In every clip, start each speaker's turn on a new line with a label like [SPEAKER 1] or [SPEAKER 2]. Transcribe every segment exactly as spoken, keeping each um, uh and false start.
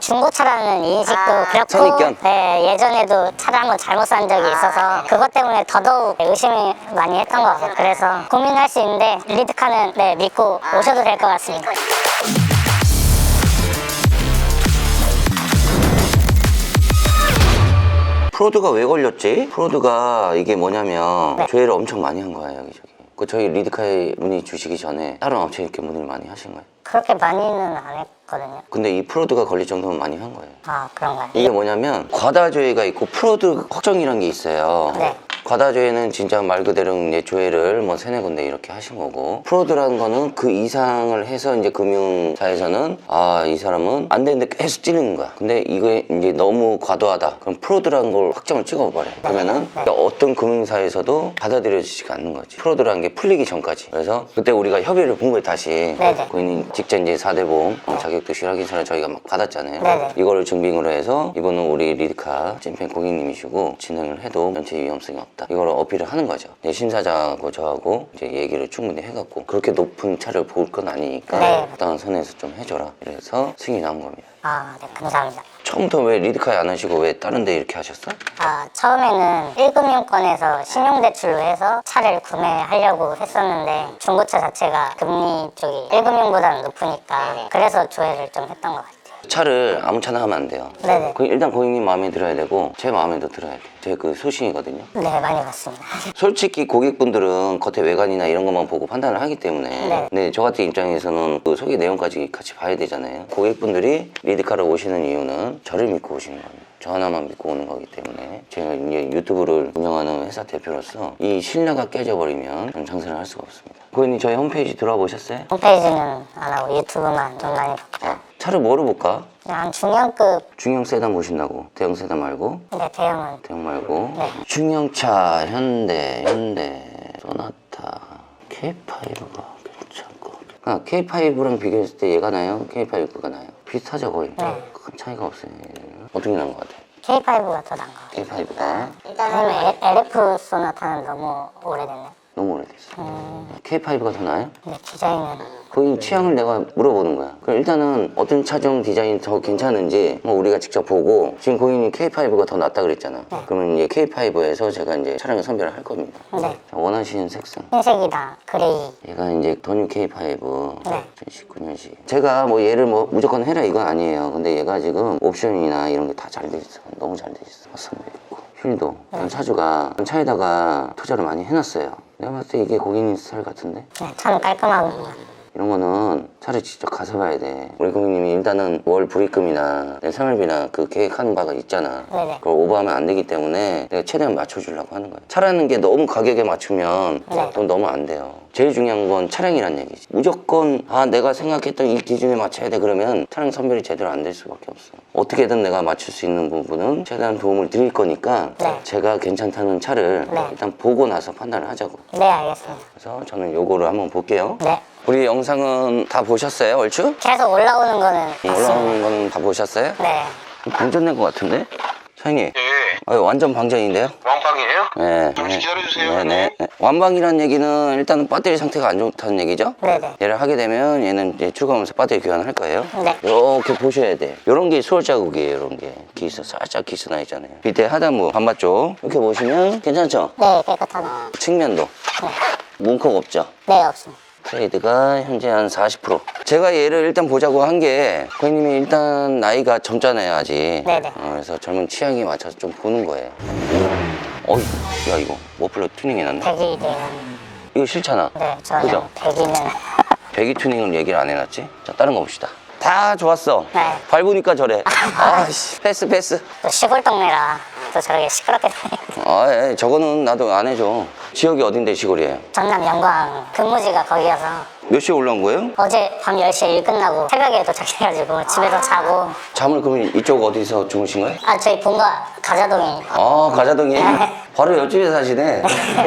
[SPEAKER 1] 중고차라는 인식도
[SPEAKER 2] 아,
[SPEAKER 1] 그렇고
[SPEAKER 2] 선입견?
[SPEAKER 1] 네, 예전에도 차를 한번 잘못 산 적이 있어서 그것 때문에 더더욱 의심을 많이 했던 것 같아요. 그래서 고민할 수 있는데 리드카는 네, 믿고 오셔도 될 것 같습니다.
[SPEAKER 2] 프로드가 왜 걸렸지? 프로드가 이게 뭐냐면
[SPEAKER 1] 네.
[SPEAKER 2] 조회를 엄청 많이 한 거예요 여기저기. 그 저희 리드카에 문의 주시기 전에 다른 업체에 이렇게 문의를 많이 하신 거예요.
[SPEAKER 1] 그렇게 많이는 안 했거든요.
[SPEAKER 2] 근데 이 프로드가 걸릴 정도면 많이 한 거예요.
[SPEAKER 1] 아, 그런가요?
[SPEAKER 2] 이게 뭐냐면 과다 조회가 있고 프로드 확정이란 게 있어요.
[SPEAKER 1] 네.
[SPEAKER 2] 과다 조회는 진짜 말 그대로 이제 조회를 뭐 세네 군데 이렇게 하신 거고, 프로드라는 거는 그 이상을 해서 이제 금융사에서는 아, 이 사람은 안 되는데 계속 찌르는 거야. 근데 이게 이제 너무 과도하다. 그럼 프로드라는 걸 확정을 찍어버려. 그러면은
[SPEAKER 1] 네.
[SPEAKER 2] 어떤 금융사에서도 받아들여지지가 않는 거지. 프로드라는 게 풀리기 전까지. 그래서 그때 우리가 협의를 본 거예요, 다시.
[SPEAKER 1] 네네.
[SPEAKER 2] 고객님 직전 이제 사 대 보험 자격도 실확인서를 저희가 막 받았잖아요.
[SPEAKER 1] 네네.
[SPEAKER 2] 이거를 증빙으로 해서 이거는 우리 리드카 찐팬 고객님이시고 진행을 해도 전체 위험성이 없다. 이걸 어필을 하는 거죠. 이제 심사자하고 저하고 이제 얘기를 충분히 해갖고 그렇게 높은 차를 볼 건 아니니까
[SPEAKER 1] 네.
[SPEAKER 2] 적당한 선에서 좀 해줘라. 그래서 승인이 나온 겁니다.
[SPEAKER 1] 아, 네, 감사합니다.
[SPEAKER 2] 처음부터 왜 리드카에 안 하시고 왜 다른 데 이렇게 하셨어?
[SPEAKER 1] 아, 처음에는 일 금융권에서 신용대출로 해서 차를 구매하려고 했었는데 중고차 자체가 금리 쪽이 일 금융보다는 높으니까 그래서 조회를 좀 했던 것 같아요.
[SPEAKER 2] 차를 아무 차나 하면 안 돼요.
[SPEAKER 1] 네네.
[SPEAKER 2] 그 일단 고객님 마음에 들어야 되고 제 마음에도 들어야 돼요. 제 그 소신이거든요.
[SPEAKER 1] 네, 많이 봤습니다.
[SPEAKER 2] 솔직히 고객분들은 겉에 외관이나 이런 것만 보고 판단을 하기 때문에
[SPEAKER 1] 네.
[SPEAKER 2] 근데 저 같은 입장에서는 그 소개 내용까지 같이 봐야 되잖아요. 고객분들이 리드카를 오시는 이유는 저를 믿고 오시는 겁니다. 저 하나만 믿고 오는 거기 때문에 제가 이제 유튜브를 운영하는 회사 대표로서 이 신뢰가 깨져버리면 저는 장사를 할 수가 없습니다. 고객님 저희 홈페이지 들어와 보셨어요?
[SPEAKER 1] 홈페이지는 안 하고 유튜브만 좀 많이 봤고
[SPEAKER 2] 아, 차를 뭐로 볼까?
[SPEAKER 1] 그냥 중형급,
[SPEAKER 2] 중형 세단 보신다고. 대형 세단 말고.
[SPEAKER 1] 네, 대형은
[SPEAKER 2] 대형 말고.
[SPEAKER 1] 네.
[SPEAKER 2] 중형차 현대 현대 소나타 케이파이브가 괜찮고. 아, 케이파이브랑 비교했을 때 얘가 나요? 케이파이브가 나요? 비슷하죠 거의.
[SPEAKER 1] 네.
[SPEAKER 2] 큰 차이가 없어요. 어떻게 나은 것 같아요?
[SPEAKER 1] 케이파이브가 더 나은 것 같아요.
[SPEAKER 2] 케이파이브가
[SPEAKER 1] 왜냐면 엘에프 소나타는 너무 오래됐네.
[SPEAKER 2] 너무 오래됐어.
[SPEAKER 1] 음,
[SPEAKER 2] 케이파이브가 더 나아요?
[SPEAKER 1] 근데 디자인은
[SPEAKER 2] 거의 취향을 내가 물어보는 거야. 그럼 일단은 어떤 차종 디자인이 더 괜찮은지 뭐 우리가 직접 보고, 지금 고객님 케이파이브가 더 낫다 그랬잖아.
[SPEAKER 1] 네.
[SPEAKER 2] 그러면 이제 케이파이브에서 제가 이제 차량을 선별을 할 겁니다.
[SPEAKER 1] 네.
[SPEAKER 2] 자, 원하시는 색상.
[SPEAKER 1] 흰색이다, 그레이.
[SPEAKER 2] 얘가 이제 더뉴 케이파이브
[SPEAKER 1] 네.
[SPEAKER 2] 이천십구 년식. 제가 뭐 얘를 뭐 무조건 해라 이건 아니에요. 근데 얘가 지금 옵션이나 이런 게 다 잘 돼 있어. 너무 잘 돼 있어. 화성도 있고. 휠도. 전 차주가 차에다가 투자를 많이 해놨어요. 내가 봤을 때 이게 고객님 스타일 같은데?
[SPEAKER 1] 네, 차는 깔끔하고
[SPEAKER 2] 이런 거는 차를 직접 가서 봐야 돼. 우리 고객님이 일단은 월 불입금이나 내 생활비나 그 계획하는 바가 있잖아.
[SPEAKER 1] 네네.
[SPEAKER 2] 그걸 오버하면 안 되기 때문에 내가 최대한 맞춰주려고 하는 거야. 차라는 게 너무 가격에 맞추면
[SPEAKER 1] 네.
[SPEAKER 2] 돈 너무 안 돼요. 제일 중요한 건 차량이란 얘기지. 무조건 아 내가 생각했던 이 기준에 맞춰야 돼 그러면 차량 선별이 제대로 안 될 수밖에 없어. 어떻게든 내가 맞출 수 있는 부분은 최대한 도움을 드릴 거니까
[SPEAKER 1] 네.
[SPEAKER 2] 제가 괜찮다는 차를
[SPEAKER 1] 네.
[SPEAKER 2] 일단 보고 나서 판단을 하자고.
[SPEAKER 1] 네, 알겠습니다.
[SPEAKER 2] 그래서 저는 요거를 한번 볼게요.
[SPEAKER 1] 네.
[SPEAKER 2] 우리 영상은 다 보셨어요, 얼추?
[SPEAKER 1] 계속 올라오는 거는 봤습니다.
[SPEAKER 2] 올라오는 건 다 보셨어요?
[SPEAKER 1] 네.
[SPEAKER 2] 방전된 것 같은데? 사장님,
[SPEAKER 3] 예,
[SPEAKER 2] 아, 완전 방전인데요?
[SPEAKER 3] 왕빵이에요?
[SPEAKER 2] 네.
[SPEAKER 3] 잠시 기다려주세요,
[SPEAKER 2] 네, 네.
[SPEAKER 3] 형님.
[SPEAKER 2] 네. 완방이라는 얘기는 일단은 배터리 상태가 안 좋다는 얘기죠?
[SPEAKER 1] 네네.
[SPEAKER 2] 얘를 하게 되면 얘는 이제 출고하면서 배터리 교환을 할 거예요.
[SPEAKER 1] 네.
[SPEAKER 2] 이렇게 보셔야 돼. 이런 게 수월 자국이에요, 이런 게. 기스, 살짝 기스 나 있잖아요. 밑에 하단부, 반바쪽. 이렇게 보시면 괜찮죠?
[SPEAKER 1] 네, 깨끗하다.
[SPEAKER 2] 측면도.
[SPEAKER 1] 네.
[SPEAKER 2] 문콕 없죠?
[SPEAKER 1] 네, 없습니다.
[SPEAKER 2] 트레이드가 현재 한 사십 퍼센트. 제가 얘를 일단 보자고 한 게 고객님이 일단 나이가 젊잖아요 아직.
[SPEAKER 1] 네네.
[SPEAKER 2] 어, 그래서 젊은 취향에 맞춰서 좀 보는 거예요. 어이, 야 이거 머플러 튜닝 해놨네.
[SPEAKER 1] 배기 대응.
[SPEAKER 2] 이거 싫잖아.
[SPEAKER 1] 네, 저는
[SPEAKER 2] 그죠?
[SPEAKER 1] 배기는.
[SPEAKER 2] 배기 튜닝을 얘기를 안 해놨지? 자 다른 거 봅시다. 다 좋았어.
[SPEAKER 1] 네.
[SPEAKER 2] 밟으니까 저래. 아씨 패스 패스.
[SPEAKER 1] 또 시골 동네라 또 저렇게 시끄럽게 다니고.
[SPEAKER 2] 아 예, 저거는 나도 안 해줘. 지역이 어딘데 시골이에요?
[SPEAKER 1] 전남 영광 근무지가 거기여서
[SPEAKER 2] 몇 시에 올라온 거예요?
[SPEAKER 1] 어제 밤 열 시에 일 끝나고 새벽에 도착해가지고 집에서 자고.
[SPEAKER 2] 잠을 그러면 이쪽 어디서 주무신 거예요?
[SPEAKER 1] 아, 저희 본가 가자동이니까.
[SPEAKER 2] 아 가자동이 바로 옆집에 사시네.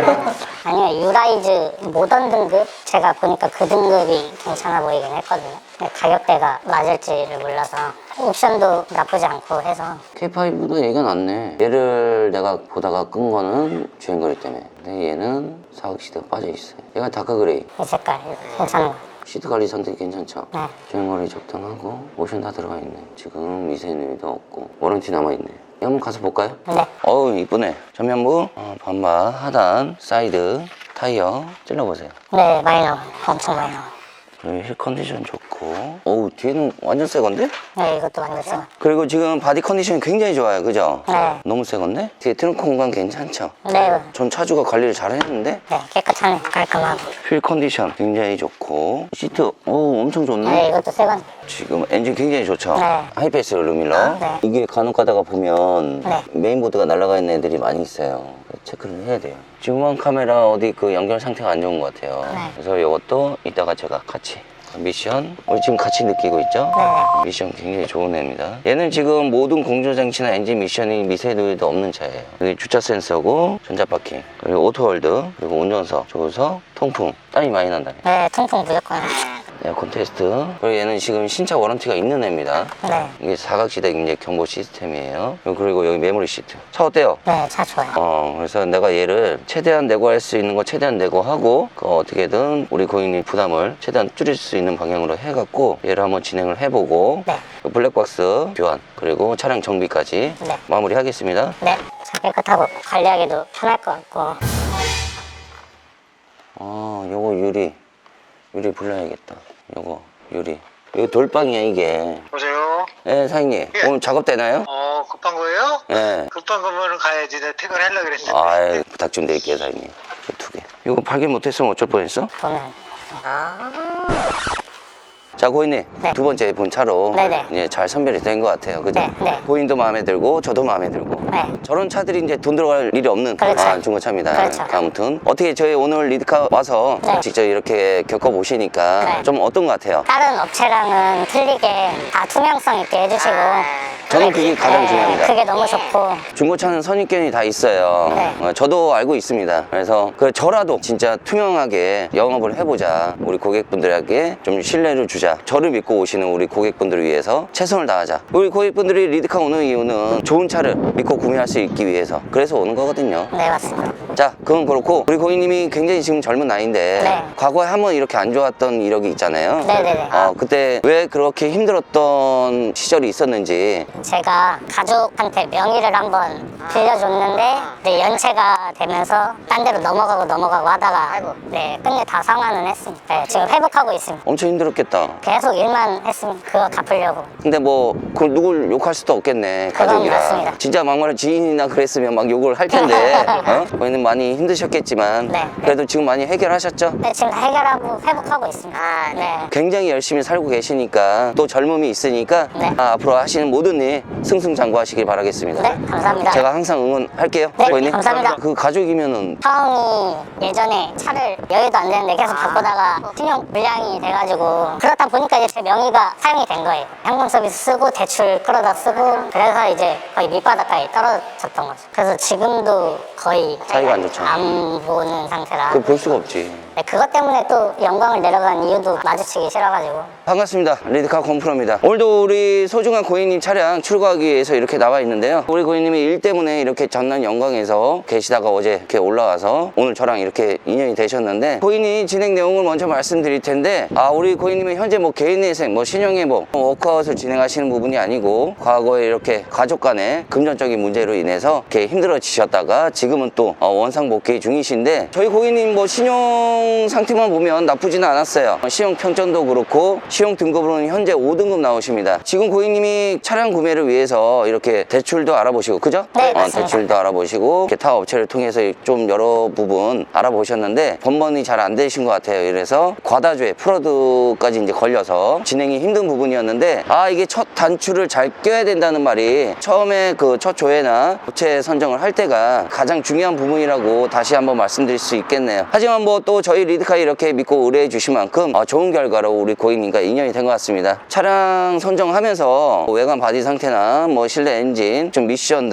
[SPEAKER 1] 아니요, 유라이즈 모던 등급? 제가 보니까 그 등급이 괜찮아 보이긴 했거든요. 근데 가격대가 맞을지를 몰라서 옵션도 나쁘지 않고 해서.
[SPEAKER 2] 케이파이브도 얘가 낫네. 얘를 내가 보다가 끈 거는 주행거리 때문에. 근데 얘는 사각시대가 빠져있어요. 얘가 다크그레이.
[SPEAKER 1] 이 색깔 괜찮은 거.
[SPEAKER 2] 시트 관리 상태 괜찮죠?
[SPEAKER 1] 네.
[SPEAKER 2] 주행거리 적당하고 모션 다 들어가 있네. 지금 미세누이도 없고 워런티 남아있네. 한번 가서 볼까요?
[SPEAKER 1] 네.
[SPEAKER 2] 어우 이쁘네. 전면부 어, 반바 하단 사이드 타이어 찔러보세요.
[SPEAKER 1] 네, 많이 나와요. 엄청 많이 나와요.
[SPEAKER 2] 그리고 힐 컨디션 좋고 어우 뒤에는 완전 새 건데?
[SPEAKER 1] 네, 이것도 완전 새 거.
[SPEAKER 2] 그리고 지금 바디 컨디션이 굉장히 좋아요. 그죠?
[SPEAKER 1] 네.
[SPEAKER 2] 너무 새 건데? 뒤에 트렁크 공간 괜찮죠?
[SPEAKER 1] 네,
[SPEAKER 2] 전 차주가 관리를 잘 했는데
[SPEAKER 1] 네, 깨끗하네. 깔끔하고.
[SPEAKER 2] 휠 컨디션 굉장히 좋고 시트 오 엄청 좋네.
[SPEAKER 1] 네, 이것도 새 거.
[SPEAKER 2] 지금 엔진 굉장히 좋죠?
[SPEAKER 1] 네.
[SPEAKER 2] 하이패스 룰루밀러.
[SPEAKER 1] 네.
[SPEAKER 2] 이게 간혹 가다가 보면
[SPEAKER 1] 네.
[SPEAKER 2] 메인보드가 날아가 있는 애들이 많이 있어요. 체크를 해야 돼요. 지금 카메라 어디 그 연결 상태가 안 좋은 것 같아요.
[SPEAKER 1] 네.
[SPEAKER 2] 그래서 이것도 이따가 제가 같이 미션 우리 지금 같이 느끼고 있죠?
[SPEAKER 1] 네.
[SPEAKER 2] 미션 굉장히 좋은 애입니다. 얘는 지금 모든 공조장치나 엔진 미션이 미세누이도 없는 차예요. 여기 주차 센서고 전자파킹 그리고 오토홀드 그리고 운전석 조수석 통풍 땀이 많이 난다네.
[SPEAKER 1] 네, 통풍 무조건.
[SPEAKER 2] 에어컨 테스트. 그리고 얘는 지금 신차 워런티가 있는 애입니다.
[SPEAKER 1] 네.
[SPEAKER 2] 이게 사각지대 이제 경보 시스템이에요. 그리고 여기 메모리 시트. 차 어때요?
[SPEAKER 1] 네, 차 좋아요.
[SPEAKER 2] 어, 그래서 내가 얘를 최대한 내고 할 수 있는 거 최대한 내고 하고, 그 어떻게든 우리 고객님 부담을 최대한 줄일 수 있는 방향으로 해갖고, 얘를 한번 진행을 해보고,
[SPEAKER 1] 네.
[SPEAKER 2] 그 블랙박스 교환, 그리고 차량 정비까지
[SPEAKER 1] 네.
[SPEAKER 2] 마무리 하겠습니다.
[SPEAKER 1] 네, 차 깨끗하고 관리하기도 편할 것 같고.
[SPEAKER 2] 아, 요거 유리. 유리 불러야겠다. 요거, 유리. 이거 돌방이야, 이게.
[SPEAKER 3] 여보세요?
[SPEAKER 2] 예, 사장님.
[SPEAKER 3] 예.
[SPEAKER 2] 오늘 작업되나요?
[SPEAKER 3] 어, 급한 거예요?
[SPEAKER 2] 예.
[SPEAKER 3] 급한 거면 가야지. 내가 퇴근하려고 그랬는데.
[SPEAKER 2] 아, 부탁 좀 드릴게요, 사장님. 이거 두 개. 이거 발견 못했으면 어쩔 뻔했어?
[SPEAKER 1] 보면.
[SPEAKER 2] 자, 고객님.
[SPEAKER 1] 네.
[SPEAKER 2] 두 번째 본 차로
[SPEAKER 1] 네네.
[SPEAKER 2] 이제 잘 선별이 된 것 같아요. 그죠?
[SPEAKER 1] 네, 네.
[SPEAKER 2] 고객님도 마음에 들고, 저도 마음에 들고.
[SPEAKER 1] 네.
[SPEAKER 2] 저런 차들이 이제 돈 들어갈 일이 없는
[SPEAKER 1] 그렇죠.
[SPEAKER 2] 아, 중고차입니다.
[SPEAKER 1] 그렇죠.
[SPEAKER 2] 아무튼 어떻게 저희 오늘 리드카 와서
[SPEAKER 1] 네.
[SPEAKER 2] 직접 이렇게 겪어보시니까
[SPEAKER 1] 네.
[SPEAKER 2] 좀 어떤 것 같아요?
[SPEAKER 1] 다른 업체랑은 틀리게 다 투명성 있게 해주시고.
[SPEAKER 2] 저는 그게 가장
[SPEAKER 1] 네,
[SPEAKER 2] 중요합니다.
[SPEAKER 1] 그게 너무 좋고.
[SPEAKER 2] 중고차는 선입견이 다 있어요.
[SPEAKER 1] 네.
[SPEAKER 2] 어, 저도 알고 있습니다. 그래서 그 저라도 진짜 투명하게 영업을 해보자. 우리 고객분들에게 좀 신뢰를 주자. 저를 믿고 오시는 우리 고객분들을 위해서 최선을 다하자. 우리 고객분들이 리드카 오는 이유는 좋은 차를 믿고 구매할 수 있기 위해서. 그래서 오는 거거든요.
[SPEAKER 1] 네, 맞습니다.
[SPEAKER 2] 자, 그건 그렇고 우리 고객님이 굉장히 지금 젊은 나이인데
[SPEAKER 1] 네.
[SPEAKER 2] 과거에 한번 이렇게 안 좋았던 이력이 있잖아요.
[SPEAKER 1] 네네네.
[SPEAKER 2] 어, 그때 왜 그렇게 힘들었던 시절이 있었는지.
[SPEAKER 1] 제가 가족한테 명의를 한번 빌려줬는데 이제 연체가 되면서 딴 데로 넘어가고 넘어가고 하다가 네, 끝내 다 상환은 했습니다. 네, 지금 회복하고 있습니다.
[SPEAKER 2] 엄청 힘들었겠다.
[SPEAKER 1] 계속 일만 했으면 그거 갚으려고.
[SPEAKER 2] 근데 뭐 그걸 누굴 욕할 수도 없겠네.
[SPEAKER 1] 그건
[SPEAKER 2] 가족이라.
[SPEAKER 1] 맞습니다.
[SPEAKER 2] 진짜 막말로 지인이나 그랬으면 막 욕을 할 텐데 어? 저희는 많이 힘드셨겠지만
[SPEAKER 1] 네.
[SPEAKER 2] 그래도 지금 많이 해결하셨죠?
[SPEAKER 1] 네, 지금 다 해결하고 회복하고 있습니다. 네.
[SPEAKER 2] 굉장히 열심히 살고 계시니까 또 젊음이 있으니까
[SPEAKER 1] 네.
[SPEAKER 2] 아, 앞으로 하시는 모든 일 승승장구하시길 바라겠습니다.
[SPEAKER 1] 네, 감사합니다.
[SPEAKER 2] 제가 항상 응원할게요.
[SPEAKER 1] 네,
[SPEAKER 2] 고객님.
[SPEAKER 1] 감사합니다.
[SPEAKER 2] 그 가족이면은
[SPEAKER 1] 형이 예전에 차를 여유도 안 되는데 계속 바꾸다가 신용 불량이 돼가지고 그러다 보니까 이제 제 명의가 사용이 된 거예요. 현금 서비스 쓰고 대출 끌어다 쓰고 그래서 이제 거의 밑바닥까지 떨어졌던 거죠. 그래서 지금도 거의
[SPEAKER 2] 사이가 안 좋죠.
[SPEAKER 1] 안 보는 상태라.
[SPEAKER 2] 그걸 볼 수가 없지.
[SPEAKER 1] 네, 그것 때문에 또 영광을 내려간 이유도 마주치기 싫어가지고.
[SPEAKER 2] 반갑습니다. 리드카 곰프로입니다. 오늘도 우리 소중한 고객님 차량 출고하기 위해서 이렇게 나와 있는데요. 우리 고객님이 일 때문에 이렇게 전남 영광에서 계시다가 어제 이렇게 올라와서 오늘 저랑 이렇게 인연이 되셨는데 고객님 진행 내용을 먼저 말씀드릴 텐데 아 우리 고객님은 현재 뭐 개인회생, 뭐 신용회복, 뭐 워크아웃을 진행하시는 부분이 아니고 과거에 이렇게 가족 간의 금전적인 문제로 인해서 이렇게 힘들어지셨다가 지금은 또 어, 원상복귀 중이신데 저희 고객님 뭐 신용 상태만 보면 나쁘지는 않았어요. 신용 평점도 그렇고 신용 등급으로는 현재 오 등급 나오십니다. 지금 고객님이 차량 구매를 위해서 이렇게 대출도 알아보시고 그죠?
[SPEAKER 1] 네,
[SPEAKER 2] 어,
[SPEAKER 1] 맞습니다.
[SPEAKER 2] 대출도 알아보시고 기타 업체를 통해서 좀 여러 부분 알아보셨는데 번번이 잘 안 되신 것 같아요. 이래서 과다주에 프로드까지 이제 걸려서 진행이 힘든 부분이었는데 아 이게 첫 단추를 잘 껴야 된다는 말이 처음에 그 첫 조회나 업체 선정을 할 때가 가장 중요한 부분이라고 다시 한번 말씀드릴 수 있겠네요. 하지만 뭐 또 저희 리드카 이렇게 믿고 의뢰해 주신 만큼 어, 좋은 결과로 우리 고객님과 인연이 된 것 같습니다. 차량 선정하면서 외관 바디 상태나 뭐 실내 엔진, 좀 미션들, 뭐 공주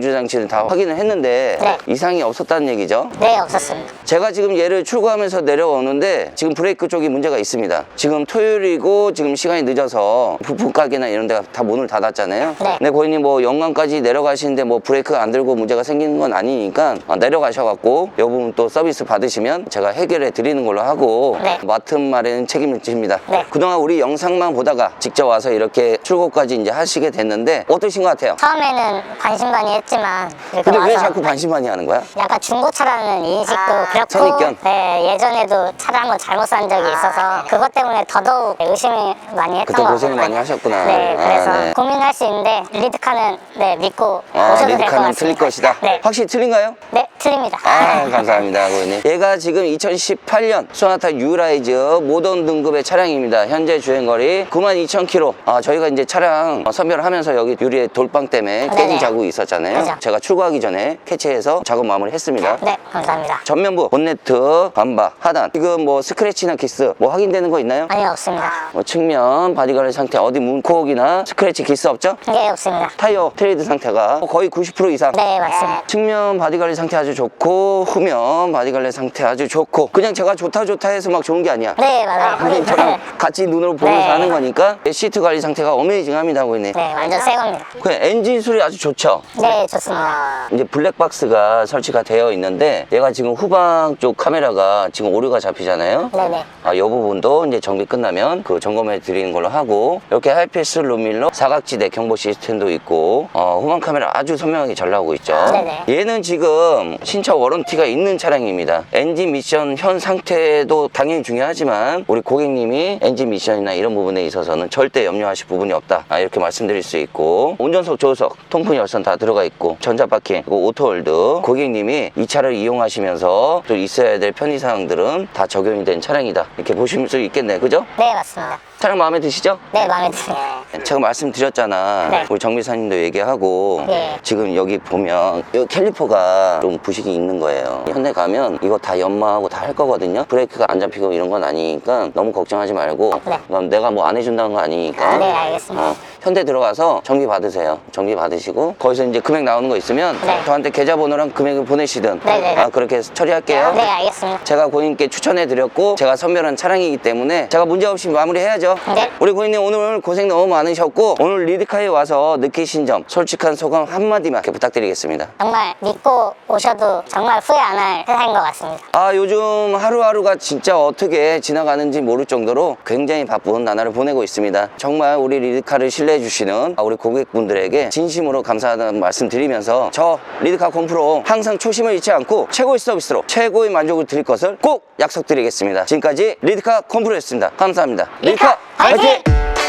[SPEAKER 2] 보조 장치를 다 확인을 했는데
[SPEAKER 1] 네.
[SPEAKER 2] 이상이 없었다는 얘기죠?
[SPEAKER 1] 네, 없었습니다.
[SPEAKER 2] 제가 지금 얘를 출고하면서 내려오는데 지금 브레이크 쪽이 문제가 있습니다. 지금 토요일이고 지금 시간이 늦어서 부품 가게나 이런 데가 다 문을 닫았잖아요.
[SPEAKER 1] 네.
[SPEAKER 2] 근데 고객님 뭐 영광까지 내려가시는데 뭐 브레이크가 안 들고 문제가 생기는 건 아니니까 내려가셔갖고 이 부분 또 서비스 받으시면 제가 해결해 드리는 걸로 하고
[SPEAKER 1] 네.
[SPEAKER 2] 맡은 말에는 책임을 집니다.
[SPEAKER 1] 네.
[SPEAKER 2] 그동안 우리 영상만 보다가 직접 와서 이렇게 출고까지 이제 하시게 됐는데 어떠신 것 같아요?
[SPEAKER 1] 처음에는 반신반의했지만 이렇게
[SPEAKER 2] 근데 왜
[SPEAKER 1] 와서
[SPEAKER 2] 자꾸 반신반의 하는 거야?
[SPEAKER 1] 약간 중고차라는 인식도 그렇고
[SPEAKER 2] 선입견.
[SPEAKER 1] 네, 예전에도 차를 한번 잘못 산 적이 있어서 그것 때문에 더더욱 의심을 많이 했던
[SPEAKER 2] 그때
[SPEAKER 1] 것
[SPEAKER 2] 고생을
[SPEAKER 1] 같아요.
[SPEAKER 2] 많이 하셨구나.
[SPEAKER 1] 네,
[SPEAKER 2] 아,
[SPEAKER 1] 그래서
[SPEAKER 2] 네.
[SPEAKER 1] 고민할 수 있는데 리드카는 네, 믿고
[SPEAKER 2] 아,
[SPEAKER 1] 오셔도 될 것
[SPEAKER 2] 리드카는
[SPEAKER 1] 같습니다.
[SPEAKER 2] 틀릴 것이다.
[SPEAKER 1] 네,
[SPEAKER 2] 확실히 틀린가요?
[SPEAKER 1] 네, 틀립니다.
[SPEAKER 2] 아, 감사합니다, 고객님. 얘가 지금 이천십팔 년 소나타 유라이즈 모던 등급의 차량입니다. 현재 주행거리 구만 이천 킬로미터. 아, 저희가 이제 차량 선별을 하면서 여기 유리에 돌빵 때문에 깨진
[SPEAKER 1] 네네.
[SPEAKER 2] 자국이 있었잖아요.
[SPEAKER 1] 그죠.
[SPEAKER 2] 제가 출고하기 전에 캐치해서 작업 마무리 했습니다.
[SPEAKER 1] 네, 감사합니다.
[SPEAKER 2] 전면부, 본네트, 반바, 하단. 지금 뭐 스크래치나 기스 뭐 확인되는 거 있나요?
[SPEAKER 1] 아니, 없습니다.
[SPEAKER 2] 뭐 측면, 바디가드 상태, 어디 문콕이나 스크래치 기스 없죠?
[SPEAKER 1] 네, 없습니다.
[SPEAKER 2] 타이어 트레이드 상태가 거의 구십 퍼센트 이상.
[SPEAKER 1] 네, 맞습니다.
[SPEAKER 2] 측면 바디관리 상태 아주 좋고 후면 바디관리 상태 아주 좋고 그냥 제가 좋다 좋다 해서 막 좋은 게 아니야.
[SPEAKER 1] 네, 맞아요.
[SPEAKER 2] 고객님 저랑 같이 눈으로 보면서
[SPEAKER 1] 네.
[SPEAKER 2] 하는 거니까 시트 관리 상태가 어메이징합니다, 고객님.
[SPEAKER 1] 네, 완전 새 겁니다.
[SPEAKER 2] 그 엔진 소리 아주 좋죠.
[SPEAKER 1] 네, 좋습니다.
[SPEAKER 2] 이제 블랙박스가 설치가 되어 있는데 얘가 지금 후방 쪽 카메라가 지금 오류가 잡히잖아요.
[SPEAKER 1] 네네.
[SPEAKER 2] 아, 이 부분도 이제 정비 끝나면 그 점검해 드리는 걸로 하고 이렇게 하이패스 룸밀러 사각지대 경보 시스템도 있고 어, 후방 카메라 아주 선명하게 잘 나오고 있죠.
[SPEAKER 1] 네네.
[SPEAKER 2] 얘는 지금 신차 워런티가 있는 차량입니다. 엔진 미션 현 상태도 당연히 중요하지만 우리 고객님이 엔진 미션이나 이런 부분에 있어서는 절대 염려하실 부분이 없다. 아, 이렇게 말씀드릴 수 있고 운전석, 조수석, 통풍 열선 다 들어가 있고 전자바퀴, 그리고 오토홀드 고객님이 이 차를 이용하시면서 또 있어야 될 편의사항들은 다 적용이 된 차량이다. 이렇게 보실 수 있겠네, 그죠?
[SPEAKER 1] 네, 맞습니다.
[SPEAKER 2] 차량 마음에 드시죠?
[SPEAKER 1] 네, 마음에 듭니다.
[SPEAKER 2] 제가 말씀드렸잖아.
[SPEAKER 1] 네.
[SPEAKER 2] 우리 정비사님도 얘기하고
[SPEAKER 1] 네.
[SPEAKER 2] 지금 여기 보면 여기 캘리퍼가 좀 부식이 있는 거예요. 현대 가면 이거 다 연마하고 다 할 거거든요. 브레이크가 안 잡히고 이런 건 아니니까 너무 걱정하지 말고
[SPEAKER 1] 네.
[SPEAKER 2] 그럼 내가 뭐 안 해준다는 거 아니니까
[SPEAKER 1] 아, 네, 알겠습니다.
[SPEAKER 2] 어, 현대 들어가서 정비 받으세요. 정비 받으시고 거기서 이제 금액 나오는 거 있으면
[SPEAKER 1] 네.
[SPEAKER 2] 저한테 계좌번호랑 금액을 보내시든
[SPEAKER 1] 네, 네, 네.
[SPEAKER 2] 아, 그렇게 해서 처리할게요.
[SPEAKER 1] 네, 알겠습니다.
[SPEAKER 2] 제가 고객님께 추천해드렸고 제가 선별한 차량이기 때문에 제가 문제없이 마무리해야죠.
[SPEAKER 1] 네.
[SPEAKER 2] 우리 고객님 오늘 고생 너무 많으셨고 오늘 리드카에 와서 느끼신 점 솔직한 소감 한마디만 이렇게 부탁드리겠습니다.
[SPEAKER 1] 정말 믿고 오셔도 정말 후회 안 할 세상인 것 같습니다.
[SPEAKER 2] 아, 요즘 하루하루가 진짜 어떻게 지나가는지 모를 정도로 굉장히 바쁜 나날을 보내고 있습니다. 정말 우리 리드카를 신뢰해 주시는 우리 고객분들에게 진심으로 감사하다는 말씀 드리면서 저 리드카 컴프로 항상 초심을 잃지 않고 최고의 서비스로 최고의 만족을 드릴 것을 꼭 약속드리겠습니다. 지금까지 리드카 컴프로였습니다. 감사합니다. 리드카
[SPEAKER 1] 화이팅!
[SPEAKER 2] 화이팅!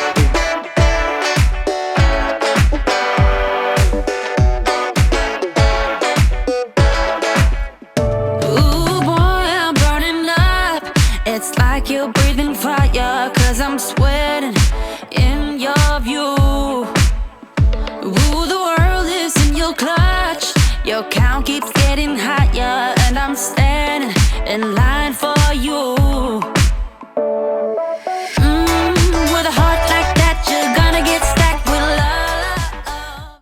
[SPEAKER 4] Ooh, boy, I'm burning up. It's like you're breathing fire, cause I'm sweating in your view. Ooh, the world is in your clutch. Your count keeps getting higher, and I'm standing in line for you.